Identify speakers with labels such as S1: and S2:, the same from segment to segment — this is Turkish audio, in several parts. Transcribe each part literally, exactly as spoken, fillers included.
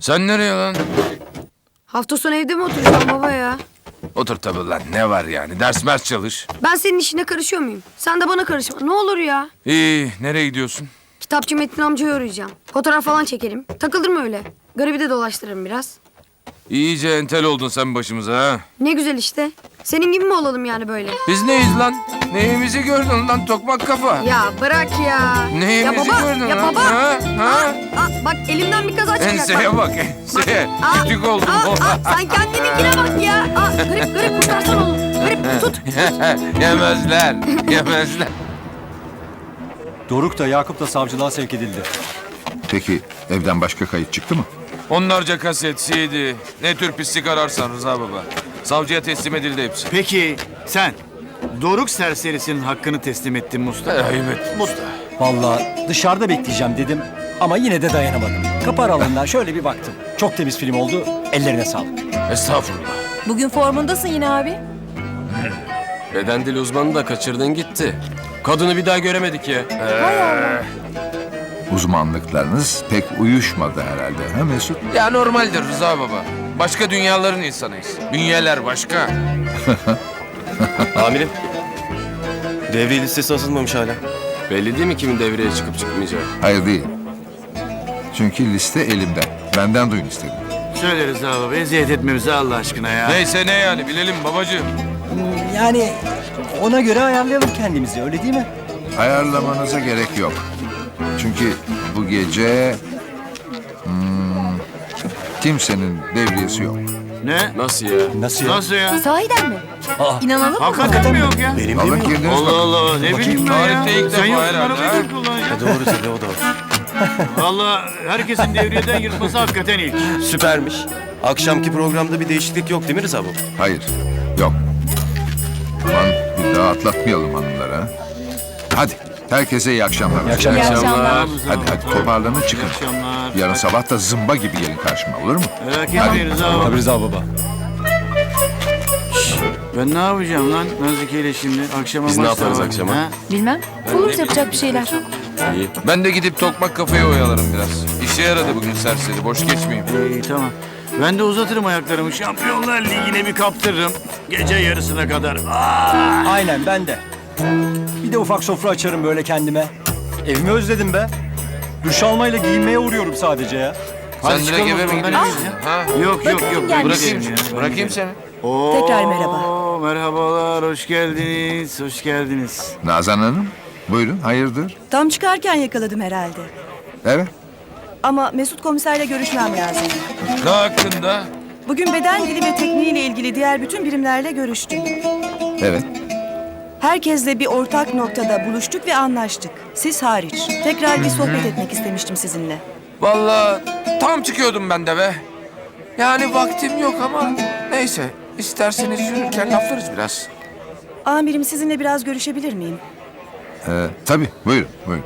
S1: Sen nereye lan?
S2: Hafta sonu evde mi oturacağım baba ya?
S1: Otur tabii lan, ne var yani? Ders mers çalış.
S2: Ben senin işine karışıyor muyum? Sen de bana karışma. Ne olur ya.
S1: İyi, nereye gidiyorsun?
S2: Kitapçı Metin amcayı arayacağım. Fotoğraf falan çekelim. Takıldım öyle. Garibi de dolaştırırım biraz.
S1: İyice entel oldun sen başımıza ha.
S2: Ne güzel işte. Senin gibi mi olalım yani böyle?
S1: Biz neyiz lan? Neyimizi gördün lan tokmak kafa?
S2: Ya bırak ya.
S1: Neyimizi
S2: ya baba,
S1: gördün
S2: ya
S1: lan?
S2: baba.
S1: Ha? Ha?
S2: Aa, aa, bak elimden bir kaza çıkacak.
S1: Enseye bak, enseye.
S2: Aa,
S1: Kütük oldum.
S2: Aa, aa, sen kendininkine bak ya. Aa, garip garip kurtarsan onu. Garip tut.
S1: Yemezler, yemezler.
S3: Doruk da Yakup da savcılığa sevk edildi.
S4: Peki evden başka kayıt çıktı mı?
S1: Onlarca kaset, C D, ne tür pislik ararsan Rıza baba. Savcıya teslim edildi hepsi.
S5: Peki sen Doruk serserisinin hakkını teslim ettin Mustafa.
S1: Ayıp ettin usta.
S3: Vallahi dışarıda bekleyeceğim dedim ama yine de dayanamadım. Kapı aralığından şöyle bir baktım. Çok temiz film oldu. Ellerine sağlık.
S1: Estağfurullah.
S6: Bugün formundasın yine abi.
S7: Beden dili uzmanı da kaçırdın gitti. Kadını bir daha göremedik ya.
S4: Uzmanlıklarınız pek uyuşmadı herhalde, ha Mesut?
S1: Ya normaldir Rıza baba. Başka dünyaların insanıyız. Dünyalar başka.
S7: Amirim. Devre listesi asılmamış hala. Belli değil mi kimin devreye çıkıp çıkmayacağı?
S4: Hayır değil. Çünkü liste elimde. Benden duyun istedim.
S5: Söyleriz abi eziyet etme bize Allah aşkına ya.
S1: Neyse ne yani bilelim babacığım.
S3: Yani ona göre ayarlayalım kendimizi, öyle değil mi?
S4: Ayarlamanıza gerek yok. Çünkü bu gece... hmm, kimsenin devriyesi yok.
S5: Ne?
S7: Nasıl ya?
S3: Nasıl ya?
S5: Nasıl ya?
S6: Sahiden mi?
S3: Aa,
S6: İnanalım mı?
S5: Hakikaten mi yok ya?
S3: benim
S4: Alın girdiniz
S5: Allah
S4: bakın.
S5: Allah ne bileyim ben ya.
S1: Tarihte ilk
S5: Sen
S1: defa
S5: yoksun
S1: herhalde,
S5: arabayı
S1: ha?
S5: ben kullanacağım.
S7: Doğru tabii o da var.
S5: Valla herkesin devriyeden yırtması hakikaten ilk.
S7: Süpermiş. Akşamki programda bir değişiklik yok değil mi Rıza bu?
S4: Hayır, yok. Aman bir daha atlatmayalım hanımlara. Hadi, herkese iyi akşamlar.
S3: İyi akşamlar.
S6: İyi akşamlar.
S4: Hadi hadi toparlanın çıkın.
S5: İyi akşamlar.
S4: Yarın sabah da zımba gibi gelin karşıma, olur mu?
S5: Merak etmeyin abi.
S3: Tabii Rıza baba.
S5: Ben ne yapacağım lan Nazike ile şimdi? Akşama
S7: Biz ne
S5: maç da
S7: yaparız
S5: var.
S7: akşama?
S5: Ha?
S6: Bilmem. Buluruz yapacak bir şeyler.
S7: İyi.
S1: Ben de gidip tokmak kafayı oyalarım biraz. İşe yaradı bugün serseri. Boş geçmeyeyim.
S5: İyi tamam. Ben de uzatırım ayaklarımı. Şampiyonlar Ligi'ne bir kaptırırım. Gece yarısına kadar. Aa!
S3: Aynen, ben de. Bir de ufak sofra açarım böyle kendime. Evimi özledim be. Duş almayla giyinmeye uğruyorum sadece ya.
S5: Hadi
S1: Sen
S5: çıkalım
S1: direkt eve
S5: o
S1: mi
S5: zaman,
S1: gidiyorsun?
S5: nereye
S1: Ha?
S5: Yok yok yok.
S6: gelmiş.
S1: Bırakayım,
S5: Gidelim ya.
S1: bırakayım seni.
S5: Oo,
S6: Tekrar merhaba.
S5: Merhabalar, hoş geldiniz, hoş geldiniz.
S4: Nazan Hanım, buyurun, hayırdır?
S8: Tam çıkarken yakaladım herhalde.
S4: Evet,
S8: Ama Mesut komiserle görüşmem lazım.
S1: Ne hakkında?
S8: Bugün beden dili ve tekniğiyle ilgili diğer bütün birimlerle görüştüm.
S4: evet.
S8: Herkesle bir ortak noktada buluştuk ve anlaştık. Siz hariç. Tekrar bir sohbet etmek istemiştim sizinle.
S1: Vallahi tam çıkıyordum ben de be. Yani vaktim yok ama neyse. İsterseniz yürürken laflarız biraz.
S8: Amirim sizinle biraz görüşebilir miyim?
S4: Ee, tabii, buyurun, buyurun.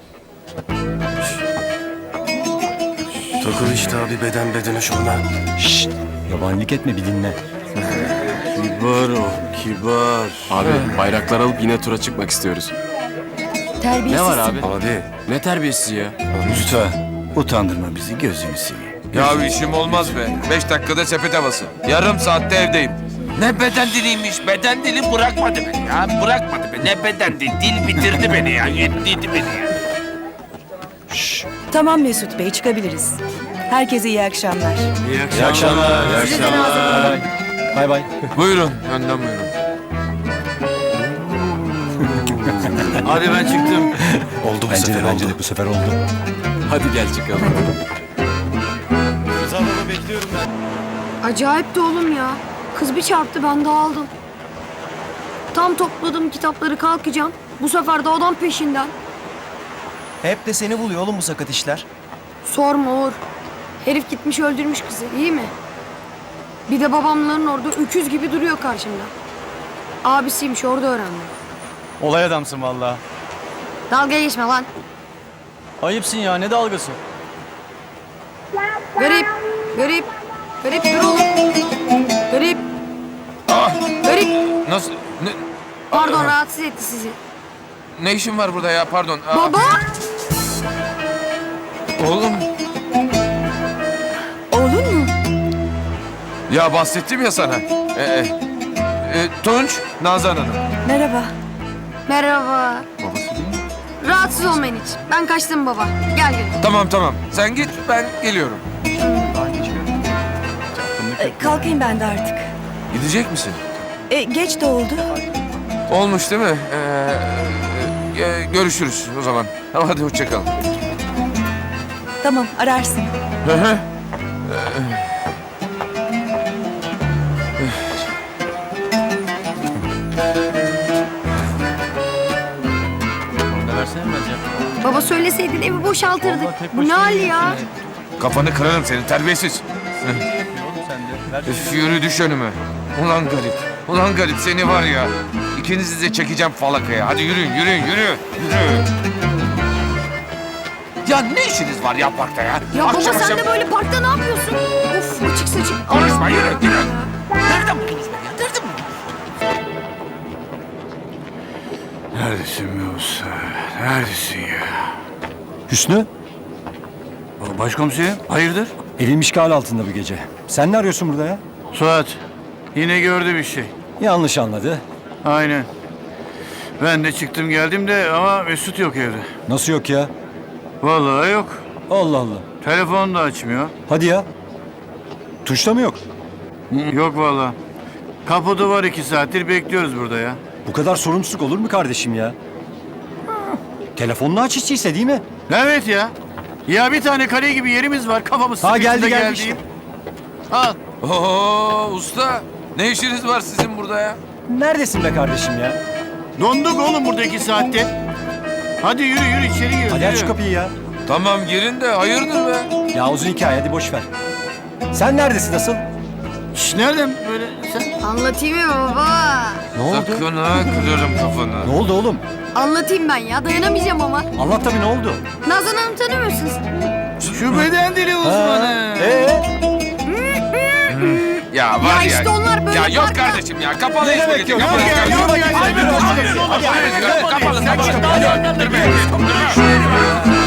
S7: Takıl işte abi beden bedene şunla.
S3: Şşt, yabanilik etme, bir dinle.
S5: Kibar ol, kibar.
S7: Abi bayraklar alıp yine tura çıkmak istiyoruz.
S6: Terbiyesiz.
S7: Ne var abi? Abi ne terbiyesiz ya?
S5: Lütfen, utandırma bizi, gözünü seveyim.
S1: Ya işim olmaz be. Beş dakikada sepet havası. Yarım saatte evdeyim. Ne beden diliymiş. Beden dili bırakmadı beni ya. Bırakmadı beni. Ne beden dili. Dil bitirdi beni ya. Yetliydi beni ya.
S8: Tamam Mesut Bey, çıkabiliriz. Herkese iyi akşamlar.
S5: İyi
S3: İyi akşamlar.
S5: İyi
S6: Size de
S5: akşamlar.
S6: nazik.
S3: Bay bay. Bay bay.
S1: Buyurun. Önden buyurun.
S5: Hadi ben çıktım.
S7: Oldu bu
S3: Bence
S7: sefer
S3: de, bence
S7: oldu.
S3: de bu sefer oldu.
S7: Hadi gel çıkalım. Rıza baba bekliyorum ben.
S2: Acayip de oğlum ya. Kız bir çarptı ben dağıldım. Tam topladım kitapları kalkacağım. Bu sefer de adam peşinden.
S9: Hep de seni buluyor oğlum bu sakat işler.
S2: Sorma Uğur. Herif gitmiş öldürmüş kızı, iyi mi? Bir de babamların orada öküz gibi duruyor karşımda. Abisiymiş, orada öğrendim.
S9: Olay adamsın vallahi.
S2: Dalga geçme lan.
S9: Ayıpsın ya, ne dalgası?
S2: Garip, garip, garip dur oğlum. Garip,
S1: Ah!
S2: garip.
S1: Nasıl? Ne,
S2: Pardon, rahatsız etti sizi.
S1: ne işin var burada ya? Pardon. Aa,
S2: Baba!
S1: Oğlum. Ya bahsettim ya sana. Ee, e, e, Tunç, Nazan Hanım.
S8: Merhaba.
S2: Merhaba. Rahatsız olmayın hiç. Ben kaçtım baba. Gel gel.
S1: Tamam tamam. Sen git, ben geliyorum.
S8: E, kalkayım ben de artık.
S1: Gidecek misin?
S8: E, geç de oldu.
S1: Olmuş değil mi? Ee, e, görüşürüz o zaman. Tamam, hadi hoşça kal.
S8: Tamam, ararsın.
S1: Hı hı.
S2: Baba söyleseydin evi boşaltırdık. Bu ne hal ya?
S1: Kafanı kırarım senin terbiyesiz. Üf, yürü düş önüme. Ulan garip. Ulan garip seni var ya. İkinizi de çekeceğim falakaya. Hadi yürüyün yürüyün yürü. Yürü. Ya ne işiniz var ya parkta ya?
S2: Ya baba
S1: Akşam
S2: sen
S1: akşam-
S2: de böyle parkta ne yapıyorsun? Of açık saçık.
S1: Konuşma yürü yürü. Nereden buldunuz beni ya? Nereden buldunuz?
S5: Neredesin be usta? Neredesin ya?
S3: Hüsnü,
S5: Başkomiserim, hayırdır?
S3: evim işgal altında bu gece. Sen ne arıyorsun burada ya?
S5: Suat, yine gördü bir şey.
S3: Yanlış anladı.
S5: Aynen. Ben de çıktım geldim de ama Mesut yok evde.
S3: Nasıl yok ya?
S5: Vallahi yok.
S3: Allah Allah.
S5: Telefonu da açmıyor.
S3: Hadi ya. Tuşta mı yok?
S5: Yok vallahi. Kapıda var iki saattir bekliyoruz burada ya.
S3: Bu kadar sorumsuzluk olur mu kardeşim ya? Telefonunu aç içtiyse değil mi?
S5: Evet ya. Ya bir tane kale gibi yerimiz var kafamız
S3: Ha,
S5: sıkıştı
S3: geldi, geldi
S5: geldiğim.
S3: işte.
S5: Al.
S1: Oo usta. Ne işiniz var sizin burada ya?
S3: Neredesin be kardeşim ya?
S5: Donduk oğlum burada iki saatte. Hadi yürü yürü içeri gir.
S3: Hadi aç şu kapıyı ya.
S1: Tamam girin de hayırdır be?
S3: Ya uzun hikaye hadi boş ver. Sen neredesin asıl?
S5: Şş, nereden böyle sen?
S2: Anlatayım mı baba?
S3: Ne oldu?
S1: Sakın ha kırarım kafanı.
S3: Ne oldu oğlum?
S2: Anlatayım ben ya dayanamayacağım ama.
S3: Anlat tabii ne oldu?
S2: Nazan Hanım tanıyor musunuz?
S5: Şu beden dili uzmanı.
S3: Ee?
S1: Ya var
S2: Ya
S1: ya.
S2: işte onlar böyle
S1: Ya yok
S2: parkta-
S1: kardeşim ya. Kapalı
S3: Ne
S1: iş
S3: demek
S1: burası,
S3: yok?
S1: kapalı
S3: Yok
S1: iş.
S3: ya,
S1: Kapalı
S3: yok ya,
S1: iş.
S3: hadi, hadi, hadi, hadi, hadi,
S1: Kapalı,
S3: hadi,
S1: kapalı,
S3: hadi,
S1: kapalı.
S3: hadi, hadi, hadi, hadi, hadi, hadi, hadi, hadi, hadi, hadi, hadi, hadi, hadi, hadi, hadi, hadi, hadi, hadi,